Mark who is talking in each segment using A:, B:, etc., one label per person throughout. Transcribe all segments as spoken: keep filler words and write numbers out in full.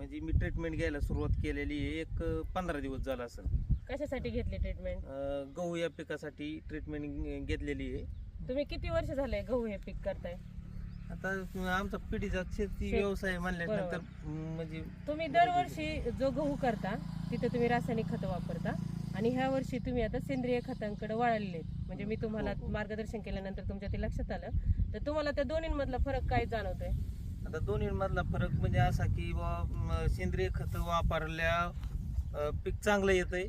A: म्हणजे मी ट्रीटमेंट घ्यायला सुरुवात केलेली आहे एक पंधरा दिवस झाला असं.
B: कशासाठी घेतली ट्रीटमेंट?
A: गहू या पिकासाठी ट्रीटमेंट घेतलेली आहे.
B: तुम्ही किती वर्ष झाले गहू हे पीक करताय?
A: आता आमचा पिढीचा शेती व्यवसाय म्हणल्यानंतर म्हणजे
B: तुम्ही दरवर्षी जो गहू करता तिथे तुम्ही रासायनिक खतं वापरता आणि ह्या वर्षी तुम्ही आता सेंद्रिय खतांकडे वळालेले, म्हणजे मी तुम्हाला मार्गदर्शन केल्यानंतर तुमच्या ते लक्षात आलं, तर तुम्हाला त्या दोन्हीमधला फरक काय जाणवतोय?
A: आता दोन्ही मधला फरक म्हणजे असा की बुवा सेंद्रिय खत वापरल्या पीक चांगलं येतंय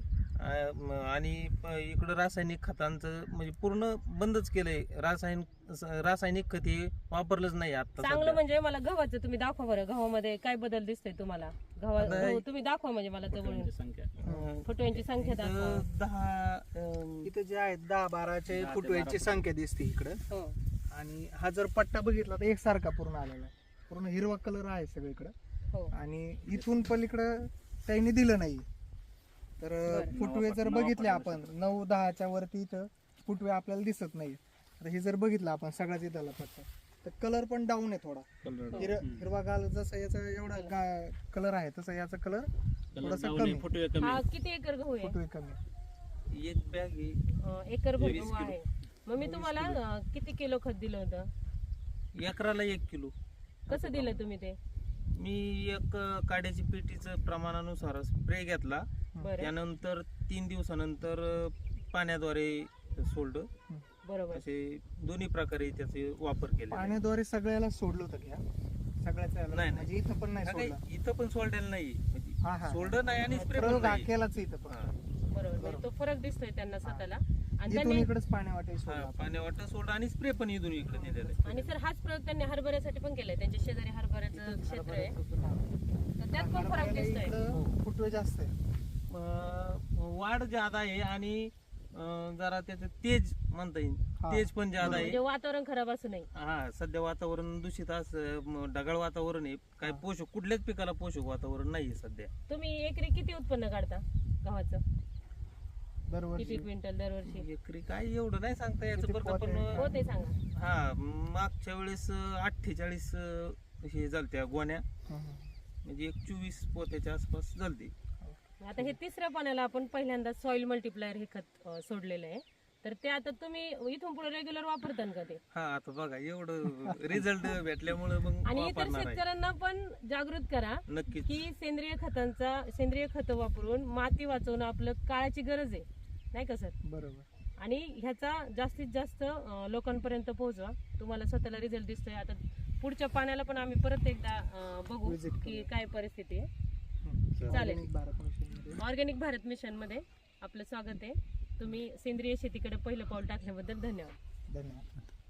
A: आणि इकडं रासायनिक खतांचं म्हणजे पूर्ण बंदच केलंय. रासायनिक रासायनिक खत हे वापरलंच नाही आता.
B: चांगलं म्हणजे मला गव्हाचं तुम्ही दाखवा बरं, गव्हामध्ये काय बदल दिसतोय तुम्हाला? गव्हा गहू तुम्ही दाखवा म्हणजे मला जवळून फुटव्यांची संख्या दाखवा.
A: दहा
C: इथे जे आहेत दहा बाराचे फुटव्यांची संख्या दिसते इकडं. आणि हा जर पट्टा बघितला तर एकसारखा पूर्ण आलेला आहे, पूर्ण हिरवा कलर आहे सगळीकडं. आणि इथून पलीकडं त्यांनी दिलं नाही. तर फुटवे जर बघितले आपण नऊ दहाच्या वरती इथं फुटवे आपल्याला दिसत नाही. तर हे जर बघितलं आपण सगळ्याच इथला पट्टा तर कलर पण डाऊन आहे थोडा. हिर हिरवा गाल जसं याचा एवढा कलर आहे तसं याचा कलर थोडासा कमी.
B: हा किती एकर गहू आहे?
C: फुटवे कमी.
A: एक बॅग
B: एकर भर गहू आहे. मग मी तुम्हाला किती किलो खत दिलं होतं?
A: एकराला एक किलो.
B: कसं दिलं तुम्ही ते?
A: मी एक काड्याची पेटीचं प्रमाणानुसार स्प्रे घेतला. त्यानंतर तीन दिवसानंतर पाण्याद्वारे सोडलं.
B: बरोबर.
A: असे दोन्ही प्रकारे त्याचे वापर केले.
C: पाण्याद्वारे सगळ्याला सोडलं होतं घ्या सगळ्याच
A: नाही
C: म्हणजे इथं पण नाही सोडलं.
A: इथं पण सोडलेलं नाही म्हणजे
C: हा हा
A: सोडलं नाही आणि स्प्रे
C: प्रयोग हा केलाच इथं पण.
B: बरोबर. म्हणजे तो फरक दिसतोय त्यांना स्वतःला. आणि
C: इथून
B: त्यांनी
C: इकडेच पाण्या वाटे सोडलं.
A: पाण्या वाटत सोडलं आणि स्प्रे पण इथून इकडे दिलेलं आहे.
B: आणि सर हाच प्रयोग त्यांनी हरभऱ्यासाठी पण केलाय. त्यांच्या शेजारी हरभऱ्याचं क्षेत्र आहे तर त्यात पण फरक दिसतोय.
C: इकडं फुटवे जास्त आहे,
A: वाढ ज्यादा आहे आणि जरा त्याचं तेज म्हणता येईल, तेज पण ज्यादा आहे.
B: म्हणजे वातावरण खराब असू नये.
A: हा सध्या वातावरण दूषित असं ढगाळ वातावरण आहे. काही पोषक कुठल्याच पिकाला पोषक वातावरण नाहीये सध्या.
B: तुम्ही एकरी किती उत्पन्न काढता गव्हाचं?
C: दरवर्षी
B: किती क्विंटल दरवर्षी?
A: एकरी काय एवढं नाही सांगता याचं बरं का, पण
B: हो ते सांगा.
A: हा मागच्या वेळेस अठ्ठेचाळीस हे झालत्या गोण्या, म्हणजे एक चोवीस पोत्याच्या आसपास झालते.
B: आता हे तिसऱ्या पाण्याला आपण पहिल्यांदा सॉइल मल्टीप्लायर हे खत सोडलेलं आहे, तर ते आता तुम्ही इथून पुढे रेग्युलर वापरता का ते?
A: हा आता बघा एवढं रिझल्ट भेटल्यामुळे मग
B: आणि इतर शेतकऱ्यांना पण जागृत करा
A: नक्कीच
B: की सेंद्रिय खतांचा सेंद्रिय खत वापरून माती वाचवणं आपलं काळाची गरज आहे, नाही का सर?
C: बरोबर.
B: आणि ह्याचा जास्तीत जास्त लोकांपर्यंत पोहोचवा. तुम्हाला स्वतःला रिझल्ट दिसतोय. आता पुढच्या पाण्याला पण आम्ही परत एकदा बघू की काय परिस्थिती आहे. चालेल. ऑर्गॅनिक भारत मिशन मध्ये आपलं स्वागत आहे. तुम्ही सेंद्रिय शेतीकडे पहिलं पाऊल टाकल्याबद्दल धन्यवाद.
C: धन्यवाद.